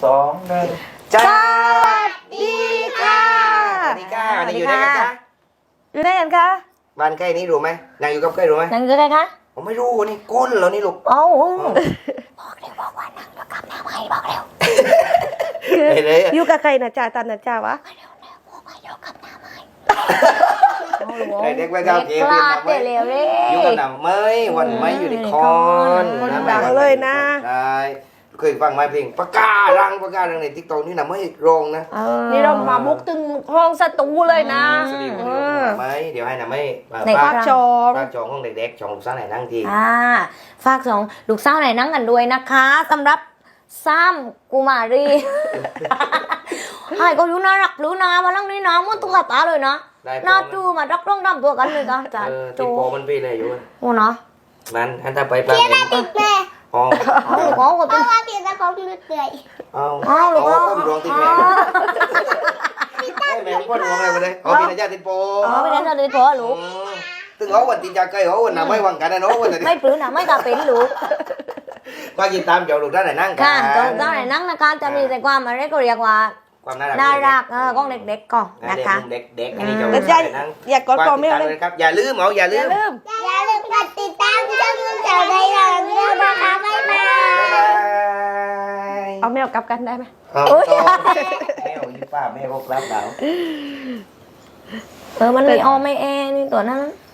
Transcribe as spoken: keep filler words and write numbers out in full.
สองหนึ่งสวัสดีค่ะสวัสดีค่ะวันนี้อยู่ได้กันจ้ะอยู่ได้กันคะบ้านใกล้นี้รู้ไหมนางอยู่กับใกล้รู้ไหมนั่งอยู่ได้คะผมไม่รู้นี่ก้นเหรอนี่ลูกเอ้าอ๋อบอกเร็วบอกว่านั่งอยู่กับน้าไม้บอกเร็วไปเลยอะอยู่กับใครนะจ่าตันนะจ่าวะเร็วเร็วบอกว่าอยู่กับน้าไม้ไอ้เด็กแว่นดาวเกมเด็กเรียนลาดมาเร็วเร็อยู่กับหนังเมยวันไม่อยู่ในคอนได้เคยฟังไหมเพลงปากการังปากการังในทิกตอกนี่นะไม่โรงนะนี่เรามาบุกถึงห้องสตูเลยนะสวัสดีคุณเอผู้ชอมไหมเดี๋ยวให้นะไม่ฝากภาคจองฝากจองห้องเด็กๆจองลูกสาวไหนนั่งทีอ่าฝากสองลูกสาวไหนนั่งกันด้วยนะคะสำหรับซ้ำกุมารีไอ้ก็อยู่น่ารักรู้นะมานั่งนี่นะมันตุ๊กตาเลยนะได้หน้าจูมารักร้องดำตัวกันเลยกันจ้ะเออโจติดโปมันพี่เลยอยู่โอ้เนาะมันอันถ้าไปปลาเป็นติดแม่ห้องเอาลูกเอาก็เพติดราะว่าติดตะของลืดเตื่อยเอาเอาลูกเอาเอาก้มดวงติดแม่แม่ก้มดวงอะไรมาเลยเอาพี่นายญาติติดโปเอาไปเล่นเลยพอลูกตึงเอาวันติดยาไก่เอาวันน่ะไม่วังกันนะเนาะวันนี้ไม่ปลื้มนะไม่กล้าเป็นลูกก็ยินตามเจ้าลูกด้านไหนนั่งกัค่ะตอนตอนไหนนั่งนะคะจะมีแต่ความอะไรก็เรียกว่าความน่ารักน่ารักเออของเด็กๆก่อนนะนะคะเด็กเด็กอันนี้เจ้าแต่ลูกจ่าด้านไหนนั่งอยากกอดกอดไม่เอาเลยครับอย่าลืมเอาอย่าอลืย่าม ลืมอย่าลืมกดติดตามช่องนุ่นเจ้าในหลังด้วยนะคะบ๊ายบายบ๊ายบายเอาแมวกลับกันได้ไหมเอาต่อแมวยี่ป้าแม่ก็รับดาวเออมันไม่ออไม่แอนี่ตัวนั้น